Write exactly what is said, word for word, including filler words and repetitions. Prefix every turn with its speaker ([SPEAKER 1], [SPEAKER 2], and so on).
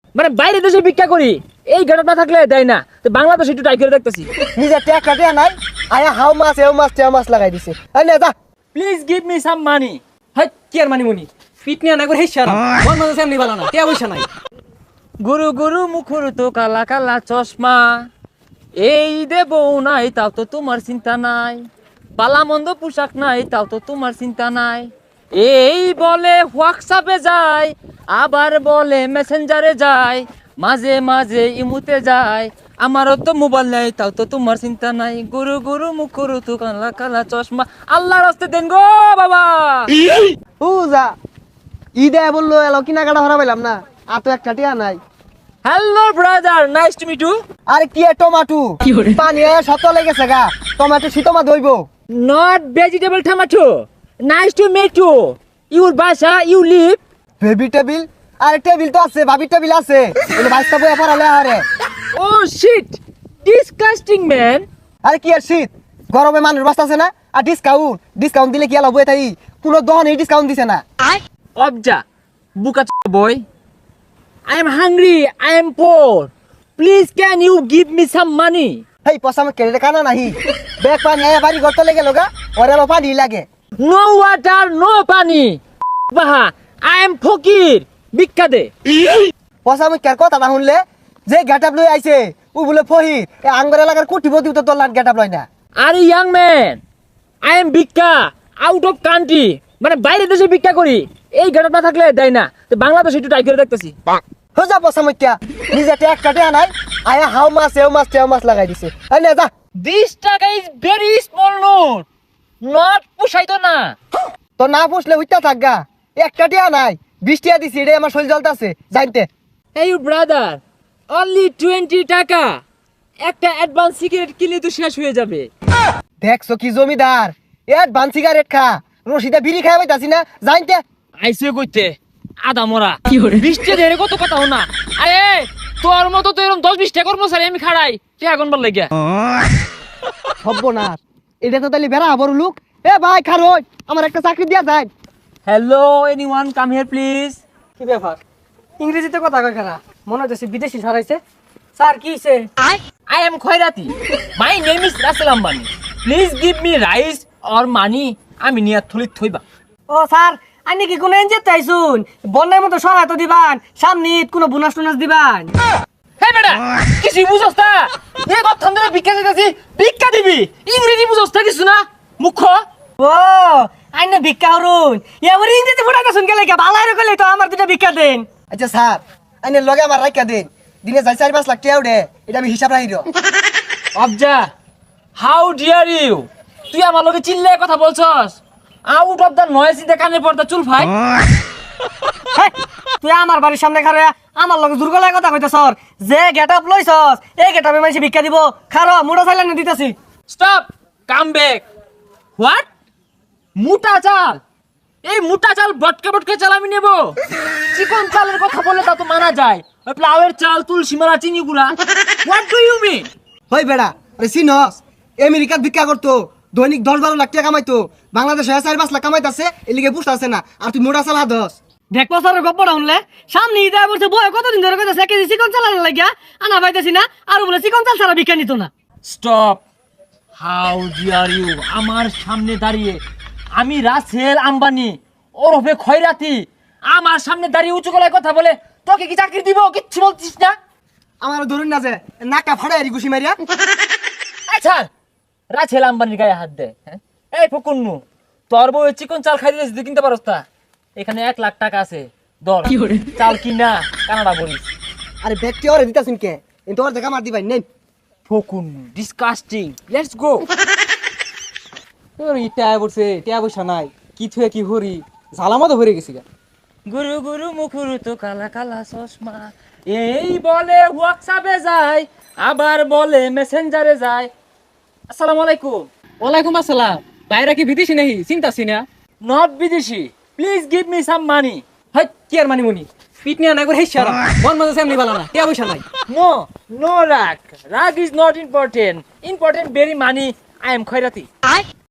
[SPEAKER 1] মানে বাইরে দেশে ভিক্ষা করি, এই ঘাটত না থাকলে দেয় না। তো বাংলাদেশ একটু ট্রাই করে দেখতেছি।
[SPEAKER 2] নিজে ট্যাক কাটে নাই আয়া হাও মাছ এও মাছ তেও মাছ লাগাই দিছে এই নে যা
[SPEAKER 1] please give me some money.
[SPEAKER 3] হাই কি আর মানি মুনি ফিট নিয়ে না করে হেসার মন মন সেমনি ভালো না কে বইছা নাই
[SPEAKER 1] গুরু গুরু মুখুর তো কালা কালা চশমা, এই দেব নাই তাও তো তোমার চিন্তা নাই, পালা মন্দ পোশাক নাই তাও তো তোমার চিন্তা নাই, এই বলে হোয়াটসঅ্যাপে যায় আবার বলে মেসেঞ্জারে যায়, মাঝে মাঝে ইমুতে যায়, আমারও তো মোবাইল নাই তাও তো তোমার চিন্তা নাই, গুরু গুরু মুখুর তো কালা কালা চশমা। আল্লাহর রাস্তে দেন গো বাবা।
[SPEAKER 2] ও যা ঈদে বললো এলো কিনাকাটা হরা পাইলাম না আর তো একটা টিয়া নাই
[SPEAKER 1] hello brother, nice to meet you.
[SPEAKER 2] আরে কি এ টমাটো পানি আয়া শত লেগেছে গা টমাটো শীতমা দইব
[SPEAKER 1] Not vegetable tomato. Nice to meet you. Your Basha, you live.
[SPEAKER 2] Baby table আরে টেবিল তো আছে ভাবি টেবিল আছে এনে বাইস্তা বইয়া পড়ালে আরে
[SPEAKER 1] Oh shit. Disgusting man.
[SPEAKER 2] আরে কি আর শীত গরমে মানুষ বাঁচতেছে না আর ডিসকাউন্ট ডিসকাউন্ট দিলে কি আলো বই তাই কোনো দহনে ডিসকাউন্ট দিছে না
[SPEAKER 1] Obja. Buka boy. I am hungry. I am poor. Please can you give me some money?
[SPEAKER 2] হেই পসামে কেড়ে কানা নাহি ব্যাগ পানি আয়া বাড়ি ঘর তো লেগে লগা ওরে আলো পানি লাগে
[SPEAKER 1] No water, no pani. Baha. I am fakir. Bikka de.
[SPEAKER 2] পসামে কের কথা না শুনলে যে গেটআপ লই আইছে ও বলে ফহির এ আঙ্গর এলাকার কোটিপতি তো তোর লাট গেটআপ লয় না
[SPEAKER 1] Are you young man? I am Bikka. Out of country. মানে বাইরে দেশে ভিক্ষা করি, এই ঘাটত না থাকলে দেয় না। তো বাংলাদেশ একটু ট্রাই করে দেখতেছি।
[SPEAKER 2] হো যা পসামে কিয়া নিজে ট্যাক কাটে নাই আয়া হাও মাছ এও মাছ তেও মাছ লাগাই দিছে এই নে যা
[SPEAKER 1] This টাকা is very small note. Not পুষাইতো না।
[SPEAKER 2] তো না পুষলে হইতা থাকগা একটা টিয়া নাই বিশ টিয়া দিছি রে আমার শরীর জ্বলতাছে জানতে
[SPEAKER 1] Hey brother, only twenty টাকা। একটা অ্যাডভান্স সিগারেট কিনলে তো শেষ হয়ে যাবে।
[SPEAKER 2] দেখছো কি জমিদার অ্যাডভান্স সিগারেট খা রশিদা বিড়ি খাই পাইতাছি না জানতে
[SPEAKER 1] আইসে কইতে আদা মরা। বিশটা ধরে কত কথা না। আরে তোর মতো তো এরকম দশ বিশটা কর্মচারী আমি খাড়াই কে আগুন বার লাগিয়া।
[SPEAKER 2] হব্ব না এটা তো তাহলে বেড়া বড় লোক এ ভাই খারোই আমার একটা চাকরি দিয়া যায়
[SPEAKER 1] hello anyone come here please.
[SPEAKER 3] কি ব্যাপার ইংরেজিতে কথা কয় কেনা মনে হচ্ছে বিদেশি ছড়াইছে স্যার কি হইছে
[SPEAKER 1] I am Khairati. My name is Russell Ambani. Please give me rice or money. আমি নিয়া থলিত থইবা।
[SPEAKER 3] ও স্যার আইনি কি কোন এনজিও তাইছুন বন্যার মতো সহায়তা দিবান সামনে ঈদ কোন বোনাস টোনাস দিবান
[SPEAKER 1] হে বেটা কিছু বুঝছ না? এ কথা ধরে ভিক্ষা দিতেছি, ভিক্ষা দিবি ইংরেজি বুঝছ না কিছু না মুখ্য।
[SPEAKER 3] ও আইনে ভিক্ষা হরুন এবার ইংরেজি ফুটাইতেছুন গেলে কে ভালো রে কইলে তো আমার দুটো ভিক্ষা দেন
[SPEAKER 2] আচ্ছা স্যার আইনে লগে আমার রাখিয়া দিন দিনে যাই চার পাঁচ লাখ টাকা উঠে এটা আমি হিসাব রাখি দিও
[SPEAKER 1] অবজা হাউ ডিয়ার ইউ, তুই আমার লগে চিল্লায় কথা বলছস? Out of the noise in the কানে পড়তা চুল ফাই।
[SPEAKER 3] হেই, তুই আমার বাড়ির সামনে খারে আমার লগে দুর্গলায় কথা কইতেছর যে গেটআপ লইছস এই গেটআপে মাইছে ভিক্ষা দিব খারো মুড়া চাইলানি দিতাছি
[SPEAKER 1] স্টপ, কাম ব্যাক। হোয়াট? মোটা চাল? এই মোটা চাল বটকে বটকে চাল আমি নেব? চিকন চালের কথা বলে তা তো মানা যায়, ওই প্লাউয়ের চাল তুলসী মালা চিনি গুড়া। What do you mean?
[SPEAKER 2] হই বেড়া আরে সিনস আমেরিকার ভিক্ষা করতো দৈনিক দশ বারো লাখ টাকা কামাইতো বাংলাদেশে চার পাঁচ লাখ কামাইতাছে এলিগে পুষ্ট আছে না আর তুই মোটা চালা দশ
[SPEAKER 3] দেখবো স্যারের গপ্পটা শুনলে সামনে ঈদে বলছে বয় কতদিন ধরে কইতাছে কেজি চিকন চাল লাগিয়া আনা পাইতেছি না আর বলে চিকন চাল ছাড়া ভিক্ষা নিত না
[SPEAKER 1] স্টপ, হাউ ডিয়ার ইউ? আমার সামনে দাঁড়িয়ে আমি রাসেল আম্বানি ওরফে খয়রাতি আমার সামনে দাঁড়িয়ে উঁচু গলায় কথা বলে তোকে কি চাকরি দিব? কিচ্ছু বলছিস না।
[SPEAKER 2] আমার ধরুন না যে নাকা ফাড়াই আর ঘুষি মারিয়া
[SPEAKER 1] আচ্ছা রাসেল আম্বানির গায়ে হাত দে। হ্যাঁ? এই ফকুন্নু, তোর বউ চিকন চাল খাই দিয়েছিস, তুই কিনতে পারস তা? এখানে এক লাখ টাকা আছে, দর চাল কিনা কানাডা বলিস।
[SPEAKER 2] আরে ব্যক্তি ওরে দিতাছুন কে কিন্তু ওর দেখা মার দিবাই নেই
[SPEAKER 1] ফকুন্নু ডিসকাস্টিং, লেটস গো।
[SPEAKER 3] তোর ইটা বলছে টিয়া পয়সা নাই কি থুয়ে কি হরি ঝালামতো ভরে গেছি গা
[SPEAKER 1] গুরু গুরু মুখুরু তো কালা কালা চশমা, এই বলে হোয়াটসঅ্যাপে যায় আবার বলে মেসেঞ্জারে যায়। আসসালামু আলাইকুম।
[SPEAKER 3] ওয়ালাইকুম আসসালাম বাইরে কি বিদেশি নাহি চিন্তাছি না
[SPEAKER 1] নট বিদেশি, please give me some money.
[SPEAKER 3] হাই কি আর মানি মুনি ফিট নিয়ে না করে হেসার মন মন সেমনি ভালো না টিয়া পয়সা নাই
[SPEAKER 1] নো নো রাগ, রাগ is not important, important very money. I am খয়রাতি।